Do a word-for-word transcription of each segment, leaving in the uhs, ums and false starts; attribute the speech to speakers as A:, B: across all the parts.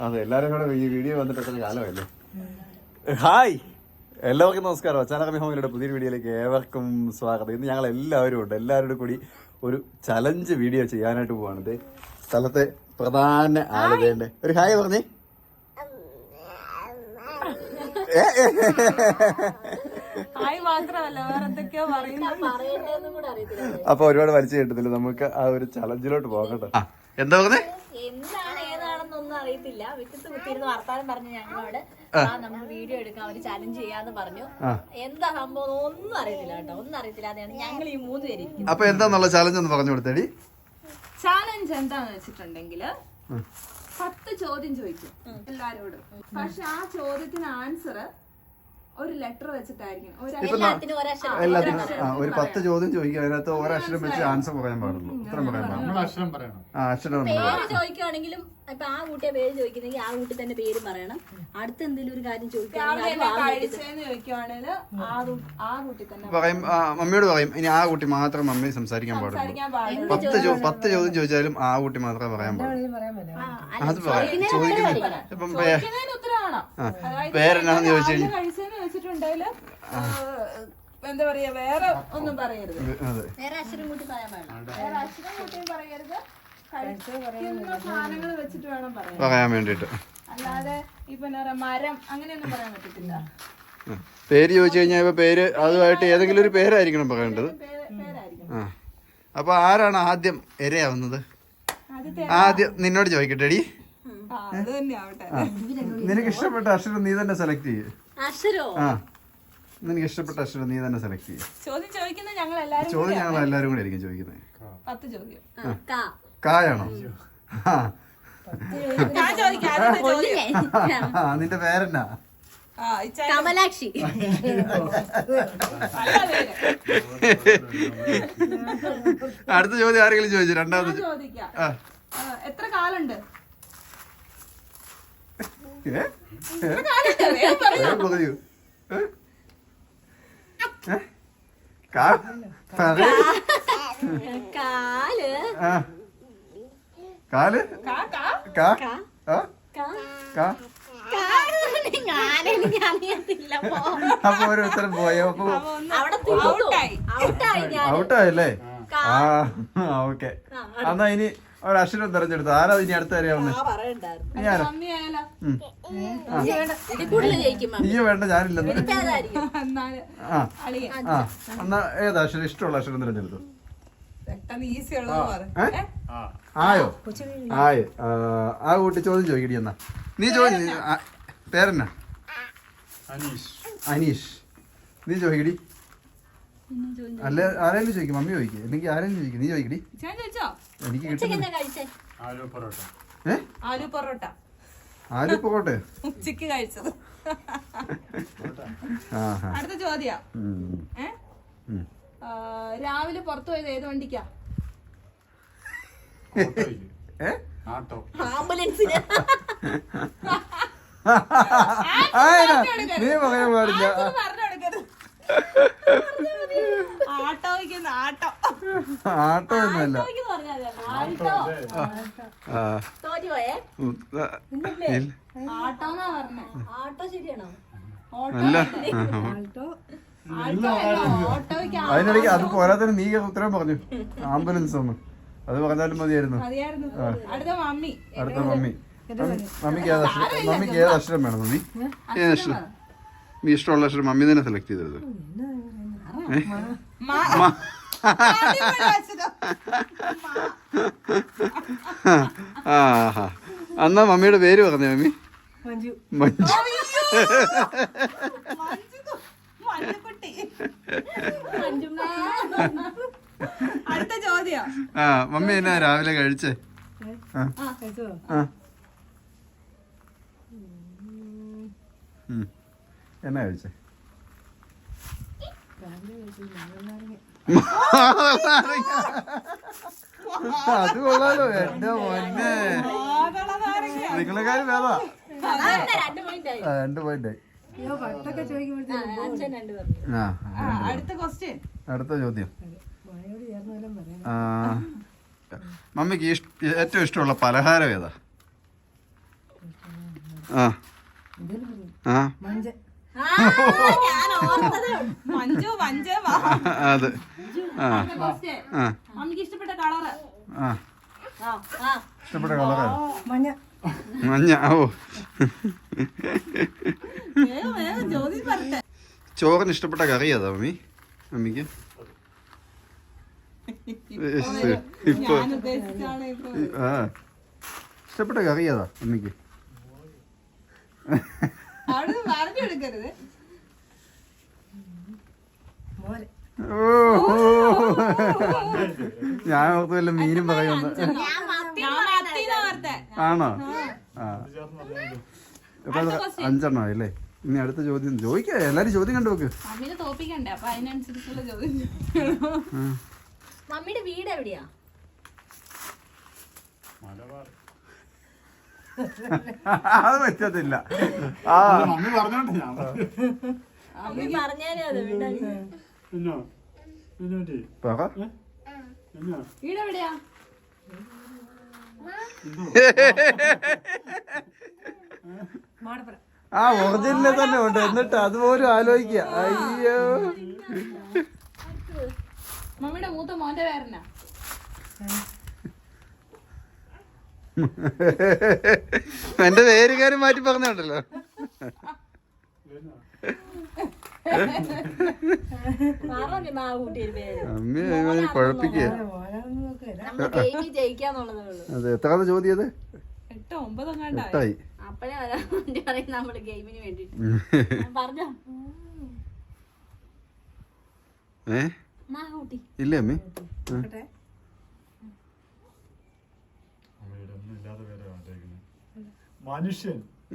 A: അതെ, എല്ലാരും കൂടെ ഈ വീഡിയോ വന്നിട്ടൊക്കെ കാലമല്ലേ. ഹായ്, എല്ലാവർക്കും നമസ്കാരം. അച്ചാനകമി ഹോമിയുടെ പുതിയൊരു വീഡിയോയിലേക്ക് ഏവർക്കും സ്വാഗതം. ഇന്ന് ഞങ്ങൾ എല്ലാവരും ഉണ്ട്, എല്ലാവരുടെ കൂടി ഒരു ചലഞ്ച് വീഡിയോ ചെയ്യാനായിട്ട് പോവാണ്. സ്ഥലത്തെ പ്രധാന ആളുകളുടെ ഒരു ഹായ് പറഞ്ഞേ. അപ്പൊ ഒരുപാട് വലിച്ചു കേട്ടതില്ല, നമുക്ക് ആ ഒരു ചലഞ്ചിലോട്ട് പോകാം കേട്ടോ. എന്താ പറഞ്ഞേ?
B: എന്താണ് ഏതാണെന്നൊന്നും അറിയത്തില്ല. വിക്കത്ത് കുത്തിയിരുന്ന് വർത്താനം പറഞ്ഞു ഞങ്ങളോട് നമ്മൾ വീഡിയോ എടുക്കാം, ഒരു ചലഞ്ച് ചെയ്യാന്ന് പറഞ്ഞു. എന്താ സംഭവം ഒന്നും അറിയത്തില്ല കേട്ടോ, ഒന്നും അറിയത്തില്ല. അതാണ് ഞങ്ങൾ ഈ മൂന്ന് പേര്.
A: അപ്പൊ എന്താന്നുള്ള ചലഞ്ച് ഒന്ന് പറഞ്ഞു കൊടുത്തേടി.
C: ചാലഞ്ച് എന്താന്ന് വെച്ചിട്ടുണ്ടെങ്കില് പത്ത് ചോദ്യം ചോദിക്കും എല്ലാരോടും. പക്ഷെ ആ ചോദ്യത്തിന് ആൻസർ ഒരു ലെറ്റർ വെച്ചിട്ടായിരിക്കും.
A: എല്ലാത്തിനും ഒരു പത്ത് ചോദ്യം ചോദിക്കുക, അതിനകത്ത് ഒരക്ഷരം വെച്ച് ആൻസർ പറയാൻ പാടുള്ളൂ. ഇത്രയും പറയാൻ പാടുള്ളൂ. ആ അക്ഷരം
B: പേര് ചോദിക്കുവാണെങ്കിലും ഇപ്പൊ ആ കുട്ടിയെ പേര് ചോദിക്കുന്നെങ്കിൽ ആ കുട്ടി തന്നെ പേര് പറയണം. അടുത്ത എന്തെങ്കിലും ഒരു കാര്യം ചോദിക്കുകയാണെങ്കിൽ
A: പറയും, മമ്മിയോട് പറയും ഇനി ആ കുട്ടി മാത്രം മമ്മി സംസാരിക്കാൻ പാടുള്ളൂ. പത്ത് പത്ത് ചോദ്യം ചോദിച്ചാലും ആ കുട്ടി മാത്രമേ പറയാൻ പാടുള്ളൂ. അത് പറയാം. ചോദിക്കുന്നത് ഇപ്പം പേരെന്നാന്ന് ചോദിച്ചു കഴിഞ്ഞാൽ
C: എന്താ പറയാ, വേറെ ഒന്നും പറയരുത്.
B: വേറെ അക്ഷരം കൂട്ടി പറയാൻ പാടില്ല.
C: വേറെ അക്ഷരം കൂട്ടിയും പറയരുത്. സാധനങ്ങൾ വെച്ചിട്ട് വേണം
A: പറയാൻ വേണ്ടിട്ട്.
C: അല്ലാതെ ഇപ്പൊ എന്താ പറയാ, മരം അങ്ങനെയൊന്നും പറയാൻ പറ്റത്തില്ല.
A: പേര് ചോദിച്ചു കഴിഞ്ഞാൽ ഇപ്പൊ പേര് അതുമായിട്ട് ഏതെങ്കിലും ഒരു പേരായിരിക്കണം പറയേണ്ടത്. ആ, അപ്പൊ ആരാണ് ആദ്യം ഇരയാവുന്നത്? ആദ്യം നിന്നോട് ചോദിക്കട്ടെ എടി. നിനക്ക് ഇഷ്ടപ്പെട്ട അക്ഷരം നീ തന്നെ സെലക്ട് ചെയ്യേ. ആ, നിനക്ക് ഇഷ്ടപ്പെട്ട അക്ഷരം നീ തന്നെ സെലക്ട് ചെയ്യേ.
C: ചോദ്യം ചോദിക്കുന്നത് ഞങ്ങൾ എല്ലാരും
A: ചോദ്യം ഞങ്ങൾ എല്ലാരും കൂടെ ആയിരിക്കും ചോദിക്കുന്നത്.
C: പത്ത് ചോദ്യം.
A: കായാണോ? നിന്റെ പേരെന്നാ?
B: കമലാക്ഷി.
A: അടുത്ത ചോദ്യം ആരെങ്കിലും ചോദിച്ചു? രണ്ടാമത്
C: എത്ര കാലുണ്ട്?
A: പറയൂ.
B: കാല്
A: കാല് അപ്പൊ ഒരു ഉത്തരം പോയോ? ഔട്ടായല്ലേ? ആ ഓക്കെ. എന്നാ ഇനി ഒരു അക്ഷരം തെരഞ്ഞെടുത്തു. ആരാ ഇനി അടുത്ത അറിയാവുന്നേ? നീ വേണ്ട, ഞാനില്ലെന്ന്. ആ ആ എന്നാ ഏതാ അക്ഷരം? ഇഷ്ടമുള്ള അക്ഷരം തെരഞ്ഞെടുത്തു. ആയോ? ആയോ? ആ കൂട്ടി ചോദ്യം ചോദിക്കടി. എന്നാ നീ ചോദിച്ചു. പേരെന്നാ? അനീഷ്. നീ ചോദിക്കടി. അല്ല ആരെങ്കിലും ചോദിക്കും. മമ്മി ചോദിക്കും, അല്ലെങ്കിൽ ആരെങ്കിലും ചോദിക്കും. നീ ചോദിക്കടി. എനിക്ക് കിട്ടും.
C: ആലു പൊറോട്ട.
A: ആലു പൊറോട്ട
C: ഉച്ചക്ക് കഴിച്ചത്. അടുത്ത ചോദ്യം. രാവിലെ പുറത്തു പോയത് ഏത് വണ്ടിക്കാ?
B: ആംബുലൻസിന്.
A: നീ പറയാൻ പാടില്ല. ആട്ടോ ഒന്നുമല്ല. അതിനിടയ്ക്ക് അത് പോരാത്തന്നെ നീ ഉത്തരം പറഞ്ഞു ആംബുലൻസ് ഒന്ന്. അത് പറഞ്ഞാലും മതിയായിരുന്നു. അടുത്ത മമ്മി. മമ്മിക്ക് ഏത് അക്ഷരം? മമ്മിക്ക് ഏത് അക്ഷരം വേണം? മമ്മി ഏത് അക്ഷരം? നീ ഇഷ്ടമുള്ള അക്ഷരം മമ്മി തന്നെ സെലക്ട് ചെയ്തത്. ആ എന്നാ മമ്മിയുടെ പേര് പറഞ്ഞേ. മമ്മി മഞ്ജു.
C: അടുത്ത ചോദ്യം.
A: ആ മമ്മി എന്നാ രാവിലെ കഴിച്ചേ? എന്നാ കഴിച്ചേ? അത് കൊള്ളാലോ എന്റെ മോനെ. നിങ്ങളെക്കാരും വേദാ. രണ്ട് പോയിന്റ്. അടുത്ത ചോദ്യം. മമ്മിക്ക് ഏറ്റവും ഇഷ്ടമുള്ള പലഹാരം ഏതാ? ആ ആ
B: ആ, ഞാൻ ഓർത്തതേ ഉള്ളൂ.
C: മഞ്ജു മഞ്ജു
A: അത് ആ ആ
C: മമ്മിക്ക് ഇഷ്ടപ്പെട്ട കളറ്
A: ആ
B: ആ, ആ.
A: ഇഷ്ടപ്പെട്ട കളറാ
D: മഞ്ഞ
A: മഞ്ഞ ഓ
C: വേഗം വേഗം ജ്യോതി പറഞ്ഞെ.
A: ചോറിന് ഇഷ്ടപ്പെട്ട കറി അതാ മമ്മി മമ്മിക്ക് ഇപ്പൊ
C: ഞാൻ ഉദ്ദേശിച്ചാണ് ഇപ്പൊ
A: ആ ഇഷ്ടപ്പെട്ട കറി അതാ മമ്മിക്ക്
C: അവിടെ പറഞ്ഞു എടുക്കരുത്.
D: മോര്
A: ഓ ഞാൻ ഓർത്ത് വല്ല മീനും പറയുന്നു
B: ഞാൻ
C: ഞാൻ
B: മത്തിന്ന്
C: മത്തീന്ന് ഓർത്തെ.
A: ആണോ ആ ഇപ്പൊ അത് അഞ്ചെണ്ണം ആയില്ലേ ഇനി അടുത്ത ചോദ്യം ചോദിക്ക എല്ലാരും ചോദ്യം കണ്ടു നോക്ക്
C: മമ്മീനെ തോപ്പിക്കണ്ടേ, അപ്പൊ അതിനനുസരിച്ചുള്ള ചോദ്യം.
B: മമ്മിയുടെ വീട് എവിടെയാ?
A: അത് പറ്റത്തില്ല ആ
B: മമ്മി പറഞ്ഞാലേ അത് വീട്
A: പറ
C: വീട് എവിടെയാ?
D: മാടപ്പുറം
A: ആ ഒറിജിനലിൽ തന്നെ ഉണ്ട് എന്നിട്ട് അതുപോലും ആലോചിക്കുക അയ്യോ
C: മമ്മിയുടെ മൂത്ത മോന്റെ പേരനാ?
A: എന്റെ പേരുകാരും മാറ്റി പറഞ്ഞുണ്ടല്ലോ
B: പറഞ്ഞു മാ കൂട്ടിയൊരു പേര്.
A: അമ്മ കുഴപ്പിക്കുക
D: ഓരോന്നും നോക്കില്ല
B: നമ്മൾ ഗെയിമിൽ ജയിക്കാന്നുള്ളതേ ഉള്ളൂ.
A: അതെ എത്രാമത്തെ ചോദ്യം അത്
C: എട്ടോ ഒമ്പതോ കണ്ടായി.
A: എട്ടായി
B: അപ്പഴേ വരാൻ വേണ്ടി പറയും നമ്മള് ഗെയിമിന് വേണ്ടിട്ട്. പറഞ്ഞോ
A: ഏ
B: മാ കൂട്ടി.
A: ഇല്ലേ അമ്മേ
D: നോക്കട്ടെ
E: മനുഷ്യൻ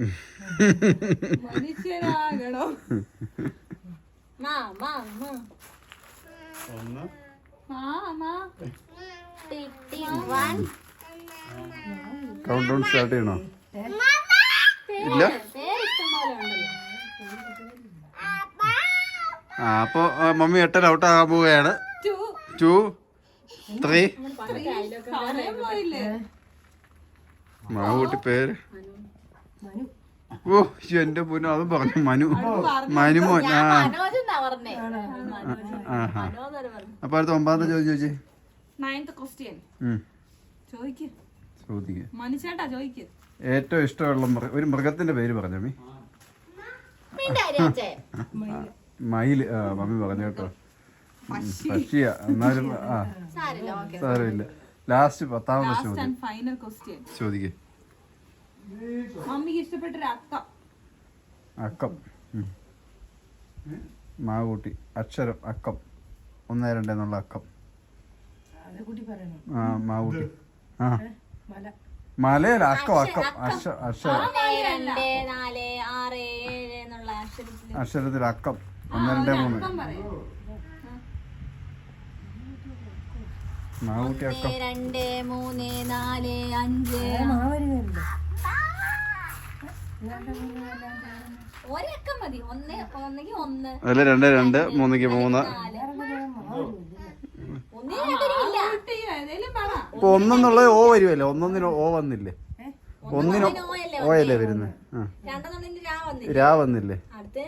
C: മനുഷ്യനാകണോ?
B: മാ മാ മാ
E: ഒന്ന്
C: ആ മാ
B: tick tick one.
A: Count down start ചെയ്യണോ ഇല്ല
B: പേര് ഇഷ്ടം പോലെ ഉണ്ടല്ലോ.
A: ആ അപ്പൊ ആ, മമ്മി എട്ടര ഔട്ട് ആകാൻ പോവുകയാണ്
C: ടു
A: ടു ത്രീ
B: പണ്ടൊക്കെ അയലൊക്കെ
C: സമയം പോയില്ലേ?
A: മാവൂട്ടി പേര്
D: മനു
A: ഓ ശ്ശെ, എന്റെ പൊന്നു അതും പറഞ്ഞു മനു മനുമോൻ ആ
B: മനോജ് എന്നാ പറഞ്ഞേ.
A: ആഹാ
B: മനോജ് പറഞ്ഞു.
A: അപ്പൊ അടുത്ത ഒമ്പതാമത്തെ ചോദ്യം ചോദിച്ചേ
C: നയൻത് ക്വസ്റ്റ്യൻ
A: ഉം
C: ചോദിക്ക്.
A: ചോദിക്ക
C: മനുഷ്യേട്ടാ ചോദിക്ക്.
A: ഏറ്റവും ഇഷ്ടമുള്ള മൃഗ ഒരു മൃഗത്തിന്റെ പേര് പറഞ്ഞു മമ്മി
B: മിണ്ടാരി അച്ഛേ.
A: മയില് ആ മമ്മി പറഞ്ഞു കേട്ടോ പക്ഷിയ എന്നാലും ആ
B: സാരില്ല, ഓക്കേ.
A: സാരമില്ല ലാസ്റ്റ് പത്താമത്തെ
C: ലാസ്റ്റ്
A: ചോദ്യം
C: ആൻഡ് ഫൈനൽ ക്വസ്റ്റ്യൻ.
A: ചോദിക്കേ
C: മമ്മിക്ക് ഇഷ്ടപ്പെട്ടൊരു അക്കം.
A: അക്കം ഉം. മാവൂട്ടി അക്ഷരം അക്കം ഒന്ന് രണ്ട് എന്നുള്ള അക്കം
D: അത് കൂട്ടി പറയണം
A: ആ മാവൂട്ടി ആ
D: മല
A: മലയല്ല അക്കം അക്കം അക്ഷ അക്ഷരം
B: ഒന്ന് രണ്ട് നാല് ആറ് ഏഴ് എന്നുള്ള അക്ഷരത്തില്
A: അക്ഷരത്തിൽ അക്കം ഒന്ന് രണ്ട് മൂന്ന്
C: അക്കം പറയും.
A: മാവൂട്ടി അക്കം
B: ഒന്ന് രണ്ട് മൂന്ന് നാല് അഞ്ച്
D: മാവരുന്നില്ല
B: ഒരക്കം മതി. ഒന്ന് ഒന്നെങ്കിൽ ഒന്ന്
A: അതിൽ രണ്ട് രണ്ട് മൂന്നിക്ക് മൂന്ന്
B: നാല് ഒന്നിനും രണ്ടിനും ഇല്ല.
C: കുട്ടി ഏതേലും പറ.
A: ഇപ്പൊ ഒന്നെന്നുള്ളത് ഓ വരുമല്ലേ ഒന്നൊന്നിന് ഓ വന്നില്ലേ ഒന്നിന്
B: ഓയല്ലേ
A: ഓ അല്ലേ വരുന്നത് ആ
B: രണ്ടെണ്ണത്തിന് രാ വന്നില്ല.
A: രാ വന്നില്ലേ
B: അടുത്ത്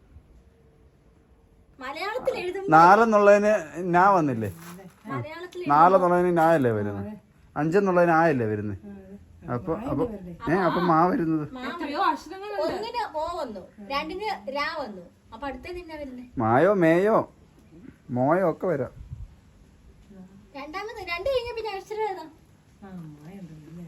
B: മലയാളത്തിൽ എഴുതും.
A: നാലെന്നുള്ളതിന് നാ വന്നില്ലേ
B: മലയാളത്തിൽ
A: നാലെന്നുള്ളതിന് നാ അല്ലേ വരുന്നത് അഞ്ചെന്നുള്ളതിന് ആ അല്ലേ വരുന്നത് അപ്പൊ അപ്പൊ ഏ അപ്പൊ മാ വരുന്നത്
C: എത്രയോ അക്ഷരങ്ങളുണ്ട്.
B: ഒന്നിന് ഓ വന്നു, രണ്ടിന് രാ വന്നു. അപ്പൊ അടുത്തത് എന്നാ വരുന്നേ?
A: മായോ മേയോ മോയോ ഒക്കെ വരാം
B: രണ്ടാമത് രണ്ട് കഴിഞ്ഞ പിന്നെ അക്ഷരം ഏതാ?
D: ആ മായുണ്ടല്ലേ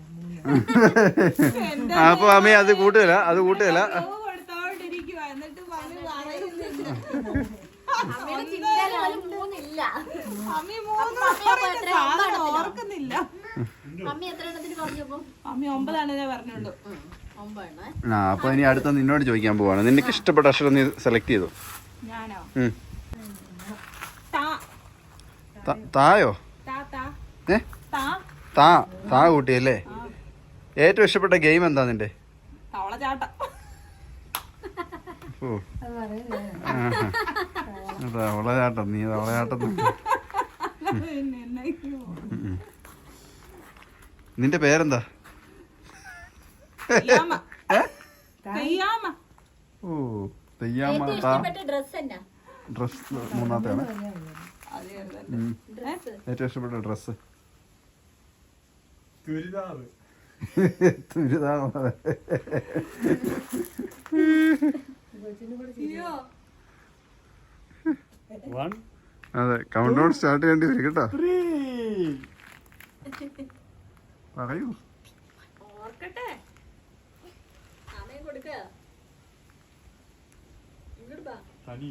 A: ആ, അപ്പൊ അമ്മ അത് കൂട്ടുകയില്ല അത് കൂട്ടുകയില്ല
C: ഓ കൊടുത്തോണ്ടിരിക്കുവാ. എന്നിട്ട് മമ്മി പറയുന്നില്ല.
B: അമ്മയുടെ ചിന്തയിൽ പോലും മൂന്നില്ല.
C: മമ്മി മൂന്ന് പറയുന്ന സാധനം ഓർക്കുന്നില്ല.
B: മമ്മി എത്ര എണ്ണത്തിന് പറഞ്ഞപ്പോ?
C: മമ്മി ഒമ്പതാണ് ഞാൻ പറഞ്ഞുള്ളൂ.
B: ഒമ്പതെണ്ണേ.
A: ആ അപ്പൊ ഇനി അടുത്ത നിന്നോട് ചോദിക്കാൻ പോവാണ് നിനക്ക് ഇഷ്ടപ്പെട്ട അക്ഷരം നീ സെലക്ട് ചെയ്തു
C: ഞാനോ?
A: ഉം.
C: താ
A: ത- തായോ
C: താ താ
A: ഏ
C: താ
A: താ താ കൂട്ടിയല്ലേ ഏറ്റവും ഇഷ്ടപ്പെട്ട ഗെയിം എന്താ നിന്റെ
C: തവളച്ചാട്ടം.
A: ഓ
D: അത് പറയുന്നേ
A: തവളചാട്ടം നീ തവളചാട്ടം
C: പിന്നെ എന്നൊക്കെയോ.
A: നിന്റെ പേരെന്താ
C: ഇല്ലാമ്മ.
A: ഏ ഓ തെയ്യാമ്മ
B: ഏറ്റവും ഇഷ്ടപ്പെട്ട ഡ്രസ് എന്നാ?
A: ഡ്രസ് മൂന്നാമത്തെയാണ് ഉം.
B: ഡ്രസ്
A: ഏറ്റവും ഇഷ്ടപ്പെട്ട ഡ്രസ്സ്
E: ചുരിദാറ്.
A: ചുരിദാർ.
E: One,
A: അതെ കൗണ്ട് ഡൗൺ സ്റ്റാർട്ട് ചെയ്യേണ്ടി വരും കേട്ടോ.
E: three.
A: പറയൂ.
B: ഓർക്കട്ടെ, സമയം കൊടുക്ക. ഇങ്ങോട്ട് വാ.
E: തനി.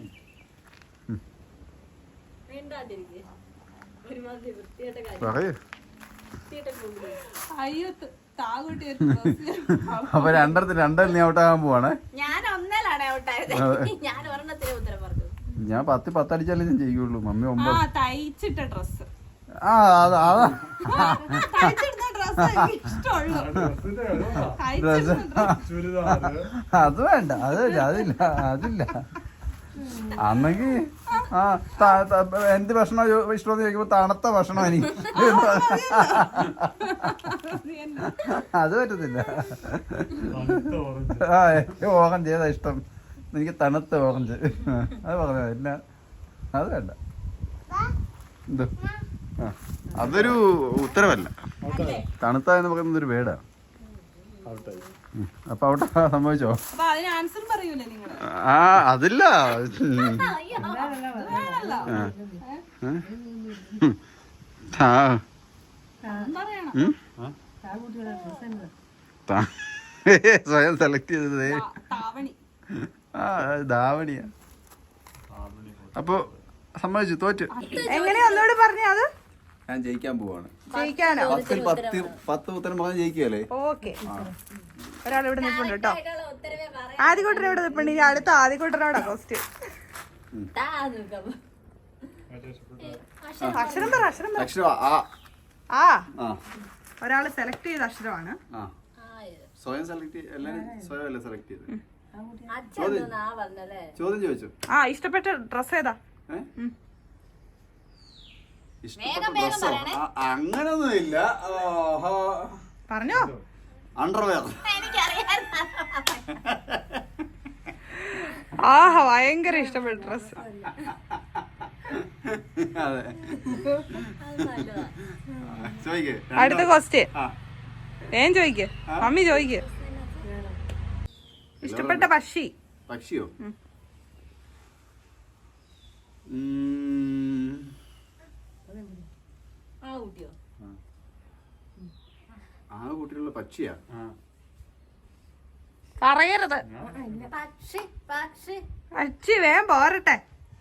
B: വേണ്ടാതിരിക്കെ. ഒരുമാതിരി വൃത്തിയായിട്ട കാര്യം.
A: പറയൂ.
B: വൃത്തിയായിട്ട പോകുന്നു.
C: അയ്യോ താകൂട്ടി ഒരു dress.
A: അപ്പൊ രണ്ടെണ്ണത്തിന് രണ്ടെണ്ണം നീ ഔട്ടാകാൻ പോവാണ്.
B: ഞാൻ ഒന്നലാണ് ഔട്ടായത്. ഞാൻ ഒരെണ്ണത്തിന് ഉത്തരം പറഞ്ഞു.
A: ഞാൻ പത്ത് പത്തടിച്ചാലേ ഞാൻ ചെയ്യുള്ളൂ. മമ്മി
C: ആ
A: ഒമ്പത്.
C: തയ്ച്ചിട്ട ഡ്രസ്
A: ആ അതാ അതാ
C: തയ്ച്ചിടുന്ന ഡ്രസ് എനിക്ക് ഇഷ്ടമുള്ളൂ. തയ്ച്ചിടുന്ന dress.
E: ചുരിദാറ്.
A: അത് വേണ്ട, അതില്ല അതില്ല അതില്ല. അന്നെങ്കി ആ ത- ത- എന്ത് ഭക്ഷണം ഇഷ്ടമെന്ന് ചോദിക്കുമ്പോ തണുത്ത ഭക്ഷണം എനിക്ക് അത് പറ്റത്തില്ല.
E: തണുത്ത orange.
A: ആ എനിക്ക് ഓറഞ്ച് ഏതാ ഇഷ്ടം? എനിക്ക് തണുത്ത ഓറഞ്ച്. അത് പറഞ്ഞ ഇല്ല അത് വേണ്ട. എന്ത് ആ അതൊരു ഉത്തരവല്ല. തണുത്ത എന്ന് പറയുന്നത് ഒരു വേടാ.
E: Out ആയി.
A: അപ്പൊ അവിടെ സംഭവിച്ചോ?
C: അപ്പൊ അതിന് ആൻസർ പറയൂലേ നിങ്ങള്?
A: ആ അതില്ല.
C: വേണല്ലോ.
A: ആ
C: പറയണം.
A: ഉം?
D: താകുട്ടിയുടെ ഡ്രസ് എന്താ?
A: താ- സ്വയം സെലക്ട് ചെയ്തത്
C: താ- താവണി.
A: ആ ധാവണിയാ.
E: ആവണി.
A: അപ്പൊ സമ്മതിച്ചു, തോറ്റ്.
C: എങ്ങനെയാ ഒന്നുകൂടി പറഞ്ഞ അത്?
A: ഞാൻ ജയിക്കാൻ പോവാണ്.
C: ജയിക്കാനോ?
A: പത്തിൽ പത്ത് പത്ത് ഉത്തരം പറഞ്ഞ് ജയിക്കുകയല്ലേ?
C: ഓക്കെ. ഒരാൾ ഇവിടെ നിൽപ്പുണ്ട് കേട്ടോ.
B: ആയിട്ടുള്ള ഉത്തരവേ പറയാം.
C: ആദ്യകൂട്ടർ ഇവിടെ നിൽപ്പുണ്ട്. ഇനി അടുത്ത ആദ്യകൂട്ടരോടാ ക്വസ്റ്റ്യൻ.
B: താ നോക്കാം.
E: ഏറ്റവും ഇഷ്ടപ്പെട്ട
C: അക്ഷരം പറ, അക്ഷരം പറ.
A: അക്ഷരം ആ
C: ആ
A: ആ
C: ഒരാള് സെലക്ട് ചെയ്ത അക്ഷരമാണ്.
A: ആ സ്വയം സെലക്ട് എല്ലാരും സ്വയം അല്ലേ സെലക്ട് ചെയ്ത്.
B: അച്ഛൻ എന്തോന്നാ പറഞ്ഞല്ലേ?
A: ചോദ്യം ചോദിച്ചു.
C: ആ ഇഷ്ടപ്പെട്ട ഡ്രസ് ഏതാ?
A: ഏ?
C: ഉം.
A: ഇഷ്ടപ്പെട്ട
B: വേഗം വേഗം
A: ഡ്രസ്സോ?
B: പറയണേ.
A: ആ, അങ്ങനൊന്നും ഇല്ല.
C: പറഞ്ഞോ.
A: അണ്ടർവെയർ.
B: എനിക്കറിയാം.
C: ആഹാ ഭയങ്കര ഇഷ്ടപ്പെട്ട ഡ്രസ്.
A: അതെ
B: അത് നല്ലതാ.
A: ചോദിക്കേ.
C: അടുത്ത ക്വസ്റ്റ്യൻ
A: ആ
C: ഏൻ ചോദിക്ക്. മമ്മി ചോദിക്ക്. ഇഷ്ടപ്പെട്ട പക്ഷി.
A: പക്ഷിയോ?
C: ഉം.
A: ഉം.
B: ആ കുട്ടിയോ?
A: ആ കൂട്ടിലുള്ള പക്ഷിയാ.
E: ആ.
C: പറയരുത്.
B: പക്ഷി പക്ഷി
C: പക്ഷി വേഗം പോരട്ടെ.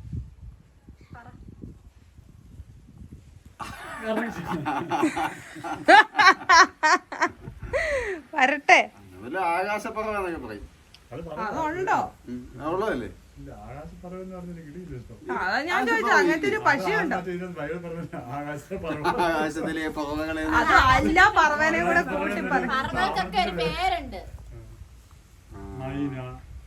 C: വരട്ടെ.
A: അതുപോലെ ആകാശപ്പറവെന്നൊക്കെ പറയും.
E: അത് പറ.
C: അതുണ്ടോ?
A: ഉം. ഉള്ളതല്ലേ?
E: ഇല്ല, ആകാശപ്പറവ എന്ന് പറഞ്ഞാൽ കിട്ടിയില്ല ഇഷ്ടം.
C: ആ, അതാ ഞാൻ ചോദിച്ചത് അങ്ങനത്തെ ഒരു പക്ഷിയുണ്ടോ?
E: മറ്റേ ഇതിനകത്ത് ബൈബിൾ പറഞ്ഞില്ല, ആകാശപ്പറവ.
A: ആകാശത്തിലെ പറവകളെ
C: അത് അല്ല പറവനെ കൂടെ കൂട്ടി പറ.
B: പറവകൾക്ക് ഒരു പേരുണ്ട്.
E: മൈന.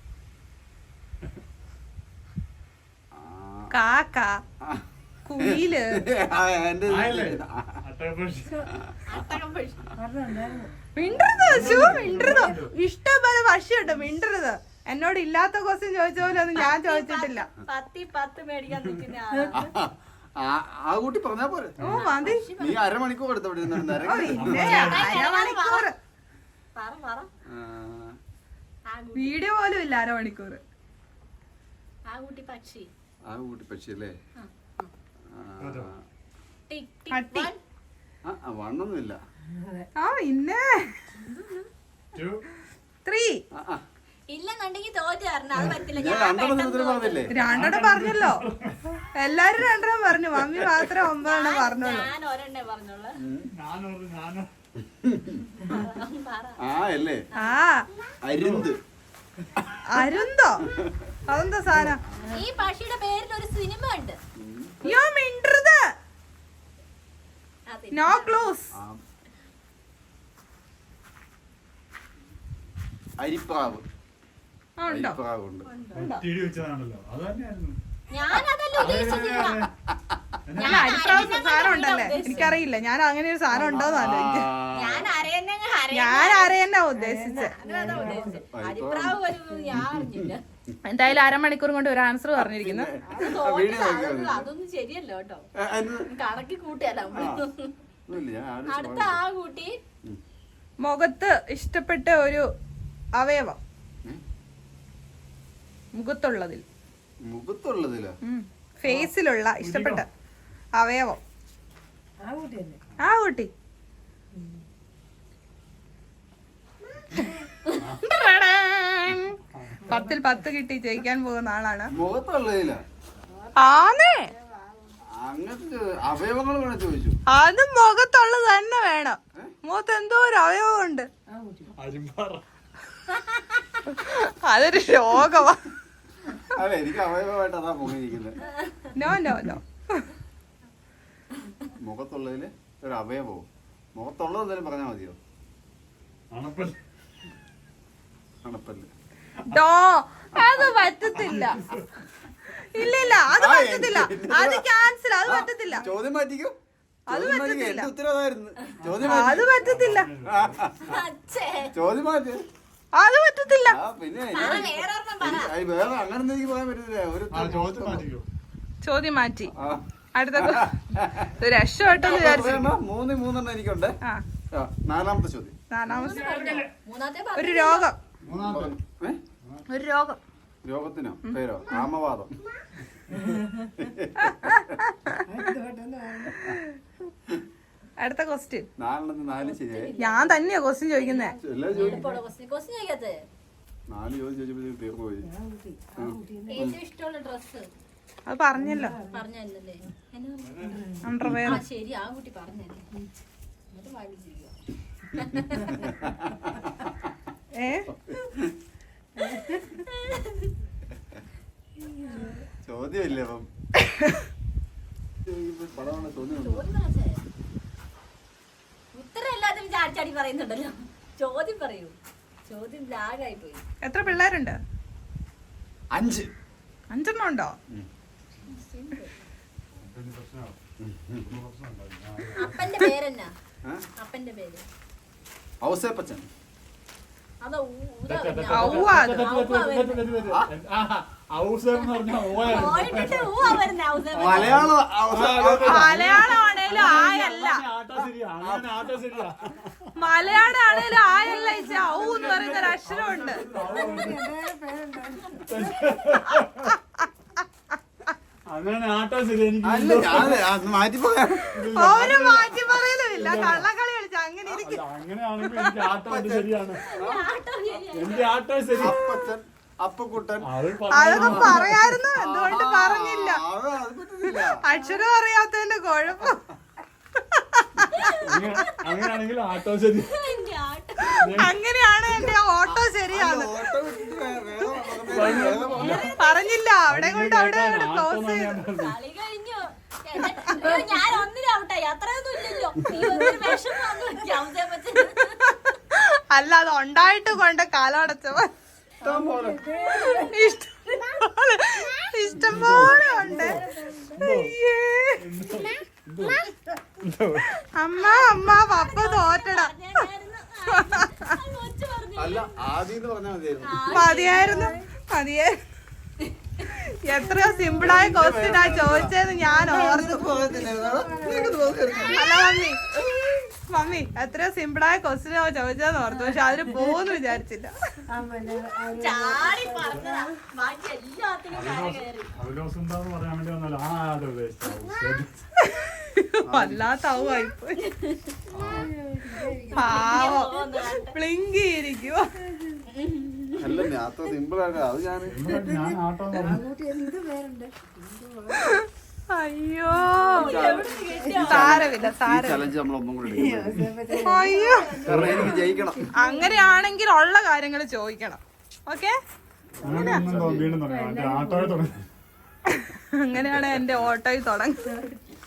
C: കാക്ക, കുയില്,
A: എന്റെ
E: ആയല്ലേ? അട്ടകപ്പക്ഷി.
B: അത്തകം പക്ഷി.
D: പറഞ്ഞുണ്ടായിരുന്നു.
C: മിണ്ടരുത് ശു, മിണ്ടരുത്. ഇഷ്ടംപോലെ പക്ഷിയുണ്ട്, മിണ്ടരുത്. എന്നോട് ഇല്ലാത്ത ക്വസ്റ്റ്യൻ ചോദിച്ച പോലെ ഒന്നും ഞാൻ ചോദിച്ചിട്ടില്ല.
B: പത്തി പത്ത് മേടിക്കാൻ നിൽക്കുന്ന ആളാ.
A: ആ- ആ കൂട്ടി പറഞ്ഞാ പോരെ.
C: ഓ മതി.
A: നീ അരമണിക്കൂർ എടുത്ത് അവിടെ ഇരുന്ന്
C: ഓ, പിന്നെ അരമണിക്കൂർ
B: പറ പറ. ആ കുട്ടി
C: വീഡിയോ പോലും ഇല്ല അരമണിക്കൂർ.
B: ആ കുട്ടി പക്ഷി.
A: ആ കൂട്ടി പക്ഷി അല്ലേ?
E: അതോ?
B: ടിക്
C: പട്ടി.
B: Tick one.
A: ആ വണ്ണൊന്നുമില്ല.
C: ആ പിന്നെ
E: Two.
C: ത്രീ.
A: ആ, ആ.
B: ഇല്ലെന്നുണ്ടെങ്കിൽ തോറ്റു തരണം. അത് പറ്റില്ല.
A: ഞാൻ
B: ഞാൻ
A: രണ്ടെണ്ണം
B: പെട്ടെന്ന്
A: ഉത്തരം പറഞ്ഞില്ലേ?
C: രണ്ടെണ്ണം പറഞ്ഞല്ലോ. എല്ലാരും രണ്ടെണ്ണം പറഞ്ഞു. മമ്മി മാത്രം ഒമ്പതെണ്ണം പറഞ്ഞോളൂ.
B: ഞാൻ ഒരെണ്ണേ പറഞ്ഞോളൂ.
E: നാനൂറ്, നാനൂറ്.
B: പറ.
A: ആ അല്ലേ?
C: ആ
A: അരുന്ത്.
C: അരുന്തോ? അതെന്താ സാധനം?
B: ഈ പക്ഷിയുടെ പേരിൽ ഒരു സിനിമ ഉണ്ട്.
C: യോ മിണ്ടരുത്.
B: അതെ.
C: No clues.
A: ആ. അരിപ്രാവ്.
C: ആ ഉണ്ടോ?
A: അരിപ്രാവുണ്ട്.
E: ഒറ്റയിടി വെച്ചതാണല്ലോ, അത് തന്നെയായിരുന്നു.
B: ഞാനതല്ല ഉദ്ദേശിച്ചത്.
C: അല്ല അരിപ്രാവ് സാധനം ഉണ്ടല്ലേ? എനിക്കറിയില്ല. ഞാൻ അങ്ങനെ ഒരു സാധനം ഉണ്ടോന്ന് ആലോചിക്കും.
B: ഞാൻ അരയെ എന്നെ അങ്ങ് അരയണ്ട.
C: ഞാൻ അരയെന്നാ ഉദ്ദേശിച്ചത്.
B: അതിനതാ ഉദ്ദേശിച്ചത്. അരിപ്രാവ് വരുന്നത് ഞാൻ അറിഞ്ഞില്ല.
C: എന്തായാലും അരമണിക്കൂർ കൊണ്ട് ഒരു ആൻസർ പറഞ്ഞിരിക്കുന്നു.
B: അത് തോന്നില്ല. അതൊന്നും അതൊന്നും ശരിയല്ല കേട്ടോ. കണക്കി കൂട്ടിയല്ല നമ്മള്. അടുത്ത ആ കൂട്ടി
C: മുഖത്ത് ഇഷ്ടപ്പെട്ട ഒരു അവയവം. മുഖത്തുള്ളതിൽ
A: മുഖത്തുള്ളതില്ല
C: ഫേസിലുള്ള ഇഷ്ടപ്പെട്ട അവയവം.
D: ആ കുട്ടി തന്നെ.
C: ആ കുട്ടി പത്തിൽ പത്ത് കിട്ടി ജയിക്കാൻ പോകുന്ന ആളാണ്.
A: മുഖത്തുള്ളതില്ല
C: ആന്നേ
A: അങ്ങനത്തെ അവയവങ്ങൾ വേണം ചോദിച്ചു.
C: അത് മുഖത്തുള്ളത് തന്നെ വേണം. മുഖത്ത് എന്തോ ഒരു അവയവം ഉണ്ട്.
D: ആ കുട്ടി.
E: അരിമ്പാറ.
C: അതൊരു രോഗമാ.
A: അല്ല എനിക്ക് അവയവമായിട്ട് അതാ മുഖിരിക്കുന്നത്.
C: നോ നോ നോ
A: മുഖത്തുള്ളതില് ഒരു അവയവവും മുഖത്തുള്ളത് എന്തായാലും പറഞ്ഞാൽ മതിയോ?
E: അണപ്പല്ല്.
A: അണപ്പല്ല്.
C: ഡോ അത് പറ്റത്തില്ല. ഇല്ല ഇല്ല അത് പറ്റത്തില്ല. അത് ക്യാൻസൽ. അത് പറ്റത്തില്ല.
A: ചോദ്യം മാറ്റിക്കോ.
C: അത്
A: ചോദ്യം മാറ്റിക്കോ.
C: പറ്റത്തില്ല.
A: എന്റെ ഉത്തരവാദമായിരുന്നു. ചോദ്യം
C: അത് പറ്റത്തില്ല.
B: അച്ഛേ
A: ചോദ്യം മാറ്റി.
C: അത് പറ്റത്തില്ല.
A: ആ പിന്നെ
B: വേറെ ഒരെണ്ണം പറ.
A: അത് വേറെ അങ്ങനൊന്നും എനിക്ക് പറയാൻ പറ്റില്ല. ഒരു
E: ആ ചോദ്യം മാറ്റിക്കോ.
C: ചോദ്യം മാറ്റി.
A: ആ.
C: അടുത്ത രക്ഷപ്പെട്ടെന്ന് വിചാരിച്ചു.
A: മൂന്ന് മൂന്നെണ്ണം എനിക്കുണ്ട്.
C: ആ
A: ആ, നാലാമത്തെ ചോദ്യം.
C: നാലാമത്തെ
B: മൂന്നാമത്തെ
C: ഒരു രോഗം.
E: മൂന്നാമത്തെ.
A: ഏ?
C: ഒരു രോഗം.
A: രോഗത്തിനോ പേരോ? ആമവാദം.
C: അടുത്ത ക്വസ്റ്റ്യൻ.
A: നാലെണ്ണത്തിന് നാല് ശരിയായി.
C: ഞാൻ തന്നെയാ ക്വസ്റ്റ്യൻ ചോദിക്കുന്നേ.
A: എല്ലാ ചോദ്യം
B: ക്വസ്റ്റ്യൻ ചോദിക്കാത്തത്.
A: നാല് ചോദ്യം ചോദിച്ചപ്പോഴത്തേക്ക് തീർന്നു പോയി.
D: ആ കുട്ടി. ആ കുട്ടി തന്നെ.
B: ഏറ്റവും ഇഷ്ടമുള്ള ഡ്രസ്
C: അത് പറഞ്ഞല്ലോ.
B: പറഞ്ഞല്ലേ?
C: അണ്ടർവെയർ.
B: ആ ശരി, ആ കുട്ടി പറഞ്ഞല്ലേ. എന്നിട്ട് വാങ്ങിച്ചിരിക്കുക.
C: ഏ
A: ചോദ്യമില്ലേ അപ്പം? പടമാണ് ചോദ്യം.
B: ചോദ്യം പറച്ചേ. ഉത്തരം എല്ലാത്തിനും ചാടിച്ചാടി പറയുന്നുണ്ടല്ലോ. ചോദ്യം പറയൂ. ചോദ്യം ലാഗായി പോയി.
C: എത്ര പിള്ളേരുണ്ട്?
A: അഞ്ച്.
C: അഞ്ചെണ്ണം ഉണ്ടോ?
E: പിന്നെ പ്രശ്നമാവും. പ്രശ്നം ഉണ്ടാവില്ല.
B: അപ്പന്റെ പേരെന്നാ?
A: ഏ?
B: അപ്പന്റെ പേര്
A: ഔസേപ്പച്ചൻ.
B: അതോ
C: ഔവ്വ അത്.
A: മലയാളം
C: മലയാളം ആണേലും ആയല്ല. മലയാളം ആണേലും ആയല്ല. ഇച്ച ഔ എന്ന് പറയുന്ന ഒരു അക്ഷരമുണ്ട്.
E: അങ്ങനെ ആട്ടോ ശരി. എനിക്ക്
A: അല്ല ഞാൻ മാറ്റി പോകാൻ
C: ഒരു മാറ്റി പറയലും ഇല്ല. കള്ളക്കളി കളിച്ച അങ്ങനെ ഇരിക്കും.
E: അങ്ങനെയാണെങ്കിൽ എനിക്ക് ആട്ടോ ഉണ്ട് ശരിയാണ്. എന്റെ ആട്ടോ ശരി.
A: അപ്പച്ചൻ അപ്പക്കുട്ടൻ.
E: അത്
C: അതൊക്കെ പറയായിരുന്നു. എന്തുകൊണ്ട് പറഞ്ഞില്ല?
A: ആ, അത് പറ്റുന്നില്ല.
C: അക്ഷരം അറിയാത്തതിന്റെ കുഴപ്പം.
E: അങ്ങനെയാണെങ്കിൽ ആട്ടോ ശരി.
C: അങ്ങനെയാണ് എന്റെ ഓട്ടോ ശരിയാണ്.
A: ഓട്ടോ വിട്ടിട്ട് വേ- വേറെ വേറെ വേറെ
C: പറഞ്ഞില്ല. അവിടെ കൊണ്ട് അവിടെ ക്ലോസ് ചെയ്തു.
B: കളി കഴിഞ്ഞു. അയ്യോ, ഞാൻ ഒന്നിനും ഔട്ടായി. അത്രയൊന്നും ഇല്ലല്ലോ. നീ ഒന്നിനും വിഷമം വന്നു. ഔസേ പച്ചൻ.
C: അല്ല അത് ഉണ്ടായിട്ട് കൊണ്ട് കാലടച്ചപ്പോ
A: ഇഷ്ടം പോലെ.
C: ഇഷ്ടംപോലെ ഇഷ്ടംപോലെ ഉണ്ട്. അയ്യേ. അമ്മ അമ്മ പപ്പ തോറ്റടാ.
B: കൊച്ചു പറഞ്ഞു.
A: അല്ല ആദ്യം പറഞ്ഞാൽ മതിയായിരുന്നു.
C: മതിയായിരുന്നു മതിയായിരുന്നു. എത്രയോ സിമ്പിളായ ക്വസ്റ്റ്യനാ ചോദിച്ചതെന്ന് ഞാൻ ഓർത്തു. അല്ല മമ്മി മമ്മി എത്രയോ സിമ്പിളായ ക്വസ്റ്റ്യനാ ചോദിച്ചതെന്ന് ഓർത്തു. പക്ഷെ അതിന് പോകുന്നു വിചാരിച്ചില്ല.
B: ചാടി പറഞ്ഞതാ. ബാക്കി എല്ലാത്തിനും കര കയറി.
E: അവലോസം എന്താന്ന് പറയാൻ വേണ്ടി വന്നാലും ആ അത് ഉദ്ദേശിച്ചു.
C: വല്ലാത്ത ആവുമായിപ്പോയി. പാവം പ്ലിങ്കിയിരിക്കുവോ.
A: അല്ല ഞാൻ അത്ര സിമ്പിൾ ആയിട്ട് അത് ഞാൻ
E: ഞാൻ ആട്ടോ എന്ന്
D: ആ
E: പറഞ്ഞു.
D: കുട്ടി എന്ത് പേരുണ്ട്?
C: അയ്യോ സാരമില്ല സാരമില്ല.
A: ചലഞ്ച് നമ്മൾ ഒന്നും കൂടി എടുക്കണം.
C: അയ്യോ
A: കാരണം എനിക്ക് ജയിക്കണം.
C: അങ്ങനെയാണെങ്കിൽ ഉള്ള കാര്യങ്ങൾ ചോദിക്കണം. ഓക്കെ
E: അങ്ങനെ ഒന്നും തോ- വീണ്ടും തുടങ്ങാം. മറ്റേ ആട്ടോയെ തുടങ്ങി.
C: അങ്ങനെയാണ് എന്റെ ഓട്ടോയിൽ തുടങ്ങുന്നത്.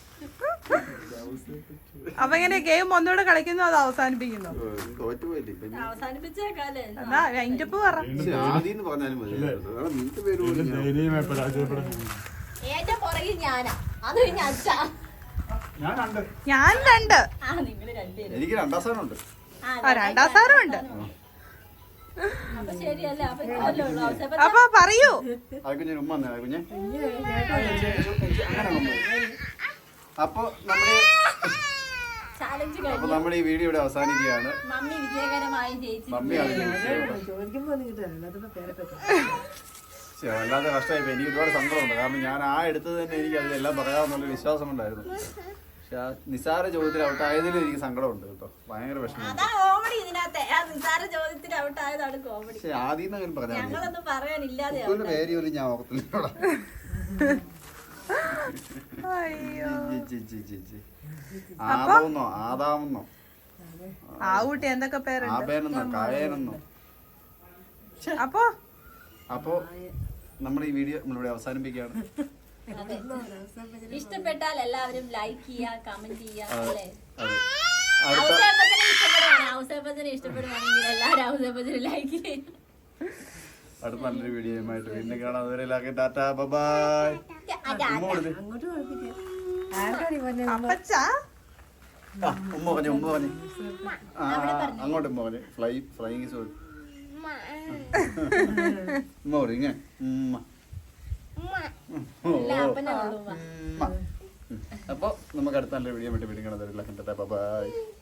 C: അപ്പൊ എങ്ങനെ ഗെയിം ഒന്നുകൂടെ കളിക്കുന്നോ അത് അവസാനിപ്പിക്കുന്നോ?
A: തോറ്റുപോയില്ലേ ഇപ്പൊ ഇനി?
B: അവസാനിപ്പിച്ചേക്കാലേ.
C: എന്നാ അതിന്റെ ഒപ്പ് പറ.
A: പക്ഷെ ആദ്യം എന്ന് പറഞ്ഞാലും മതി. കാരണം നിന്റെ പേര് പോലും ഞാൻ-
E: ധൈര്യമായി പരാജയപ്പെടുന്നു.
B: ഏറ്റവും പുറകിൽ ഞാനാ. അത് കഴിഞ്ഞ അച്ഛാ.
E: ഞാൻ കണ്ട്.
C: ഞാൻ രണ്ട്.
B: ആ നിങ്ങള് രണ്ടുപേരും.
A: എനിക്ക് രണ്ടാം സ്ഥാനം ഉണ്ട്.
C: ആ രണ്ടാം സ്ഥാനം ഉണ്ട്.
B: അപ്പൊ ശരിയല്ലേ? അപ്പൊ ഇത്രയല്ലേ ഉള്ളൂ. ഔസേപ്പച്ചൻ
C: അപ്പൊ പറയൂ.
A: ആ കുഞ്ഞിന് ഉമ്മ വന്നേ, ആ കുഞ്ഞെ അങ്ങനെ വന്നു. അപ്പൊ നമ്മുടെ
B: ചാലഞ്ച്
A: അപ്പൊ
B: കഴിഞ്ഞു.
A: നമ്മുടെ ഈ വീഡിയോ ഇവിടെ അവസാനിക്കുകയാണ്.
B: മമ്മി വിജയകരമായി ജയിച്ചു.
A: മമ്മിയാണ് ജയിച്ചത്.
D: ചോദിക്കുമ്പോ ഒന്നും കിട്ടാനില്ല. അതിപ്പോ പേരൊക്കെ
A: ശ്ശെ, വല്ലാതെ കഷ്ടമായി. എനിക്ക് ഒരുപാട് സങ്കടമുണ്ട്. കാരണം ഞാൻ ആ എടുത്തത് തന്നെ എനിക്ക് അതിലെല്ലാം പറയാമെന്നുള്ള വിശ്വാസം ഉണ്ടായിരുന്നു. പക്ഷെ ആ നിസാര ചോദ്യത്തിൽ ഔട്ടായതിലും എനിക്ക് സങ്കടമുണ്ട് കേട്ടോ. ഭയങ്കര വിഷമമുണ്ട്.
B: അതാ കോമഡി ഇതിനകത്തെ. ആ നിസ്സാര ചോദ്യത്തിന് ഔട്ടായതാണ് കോമഡി.
A: പക്ഷെ ആദ്യം നിന്ന് അങ്ങനെ പറഞ്ഞാൽ മതി.
B: ഞങ്ങളൊന്നും പറയാനില്ലാതെ
A: കുക്കുവിന്റെ പേര് പോലും ഞാൻ ഓർത്തില്ല.
C: അയ്യോ
A: ആദാമെന്നോ ആദാമെന്നോ
C: ആ കുട്ടി എന്തൊക്കെ പേരുണ്ട്.
A: ആബേനെന്നോ കായേനെന്നോ.
C: അപ്പൊ
A: അപ്പോ നമ്മുടെ ഈ വീഡിയോ നമ്മളിവിടെ അവസാനിപ്പിക്കുകയാണ്.
B: അതെ. ഇഷ്ടപ്പെട്ടാൽ എല്ലാവരും ലൈക്ക് ചെയ്യുക, കമന്റ് ചെയ്യുക അല്ലേ?
A: അതെ. അടുത്ത
B: ഔസേപ്പച്ചനെ ഇഷ്ടപ്പെടുവാണ്. ഔസേപ്പച്ചനെ ഇഷ്ടപ്പെടുവാണെങ്കിൽ എല്ലാവരും ഔസേപ്പച്ചനെ ലൈക്ക് ചെയ്യും.
A: അടുത്ത നല്ലൊരു വീഡിയോയുമായിട്ട് വീണ്ടും കാണാം. അതുവരെ എല്ലാവർക്കും ടാറ്റാ ബൈ. ഉമ്മ കൊടുത്തേ.
D: അങ്ങോട്ട് കുഴപ്പമില്ല. ആർക്കാണ് ഈ പറഞ്ഞത്?
C: അപ്പച്ചാ
A: ആ, ഉമ്മ പറഞ്ഞു ഉമ്മ പറഞ്ഞു ആ അങ്ങോട്ട് ഉമ്മ പറഞ്ഞു ഫ്ലൈ ഫ്ലൈങ് സോറി ഉമ്മ പറയും ഇങ്ങനെ ഉമ്മ.
B: ഇല്ല, അപ്പനെ ഉള്ളൂ.
A: ഉമ്മ. അപ്പൊ നമുക്ക് അടുത്ത നല്ല വീഡിയോ ആയിട്ട് വീണ്ടും കാണാം. ബൈ.